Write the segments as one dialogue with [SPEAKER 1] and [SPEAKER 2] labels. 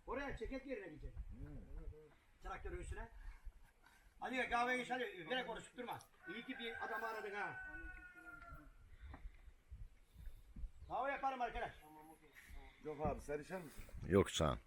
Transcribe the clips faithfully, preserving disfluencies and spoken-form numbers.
[SPEAKER 1] Oraya ceket yerine gidecek. Traktörün üstüne. Hadi ya kahveyi iç hadi. Gerek konuşup durma. İyi ki bir adamı aradın ha. Kahve yaparım arkadaş.
[SPEAKER 2] Yok abi sen içer misin?
[SPEAKER 3] Yok sağ ol.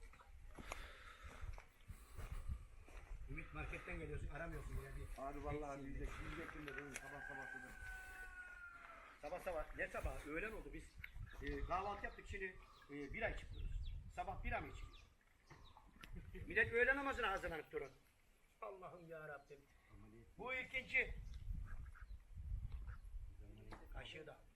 [SPEAKER 1] Ümit marketten geliyorsun aramıyorsun ya. Bir...
[SPEAKER 2] Abi vallahi yiyecek, yiyecektim de dedim sabah sabah dedim.
[SPEAKER 1] Sabah sabah ne sabah öğlen oldu biz e, kahvaltı yaptık şimdi e, bira içip duruyoruz. Sabah bira mı içiyor? Millet öğle namazına hazırlanıp durun. Allah'ım ya Rabbim. Bu ikinci. Kaşığı da.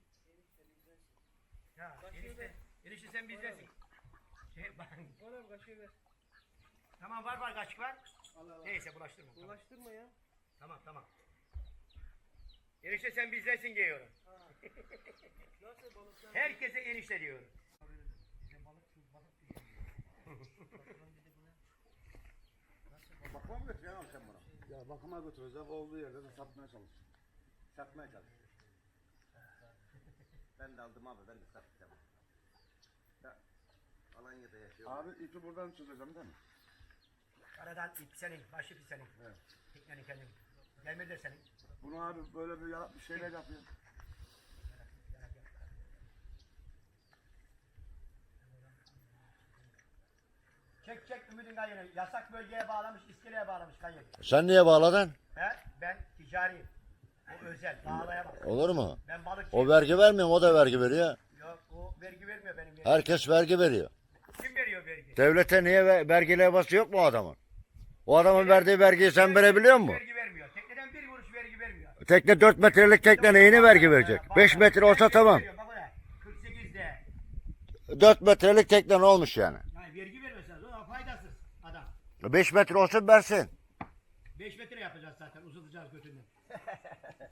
[SPEAKER 1] Ya enişte, enişte sen bizdesin. Şey, bak.
[SPEAKER 4] Bana kaşığı ver.
[SPEAKER 1] Tamam var var kaşık var.
[SPEAKER 4] Allah Allah.
[SPEAKER 1] Neyse bulaştırma. Tamam
[SPEAKER 4] Ulaştırma ya.
[SPEAKER 1] tamam. tamam. Enişte sen bizdesin diyorum.
[SPEAKER 4] Nasıl balıklar?
[SPEAKER 1] Herkese enişte diyorum.
[SPEAKER 2] Bakıma mı götürüyorsun abi sen bana? Ya bakıma götürüyoruz abi olduğu yerde de satmaya çalışıyor. Satmaya çalışıyor.
[SPEAKER 5] Ben de aldım abi ben de satacağım. Ya, Alanya'da yaşıyorum.
[SPEAKER 2] Abi ipi buradan çözeceğim değil mi?
[SPEAKER 1] Aradan ip senin, başı ip senin.
[SPEAKER 2] Evet.
[SPEAKER 1] Teknenin kendin. Gelmedi de senin.
[SPEAKER 2] Bunu abi böyle bir, ya- bir şeyler yapıyor.
[SPEAKER 1] Çek çek Ümit'in kayını. Yasak bölgeye bağlamış, iskeleye bağlamış kayın.
[SPEAKER 3] Sen niye bağladın?
[SPEAKER 1] He? Ben ticariyim. O özel, bağlayamam.
[SPEAKER 3] Olur mu?
[SPEAKER 1] Ben balıkçıyım.
[SPEAKER 3] O vergi vermiyor mu? O da vergi veriyor.
[SPEAKER 1] Yok, o vergi vermiyor benim vergi.
[SPEAKER 3] Herkes vergi veriyor.
[SPEAKER 1] Kim veriyor vergi?
[SPEAKER 3] Devlete niye ve- vergi levhası yok mu o adamın? O adamın verdiği vergiyi sen verebiliyor musun?
[SPEAKER 1] Vergi vermiyor. Tekneden bir kuruş vergi vermiyor.
[SPEAKER 3] Tekne dört metrelik tekne neyini vergi verecek? beş metre olsa
[SPEAKER 1] Vergi
[SPEAKER 3] tamam.
[SPEAKER 1] veriyor, bak oraya. kırk sekizde.
[SPEAKER 3] dört metrelik tekne ne olmuş yani?
[SPEAKER 1] Yani vergi vermesen o faydasız adam.
[SPEAKER 3] beş metre olsa versin.
[SPEAKER 1] beş metre yapacağız zaten uzatacağız götünden.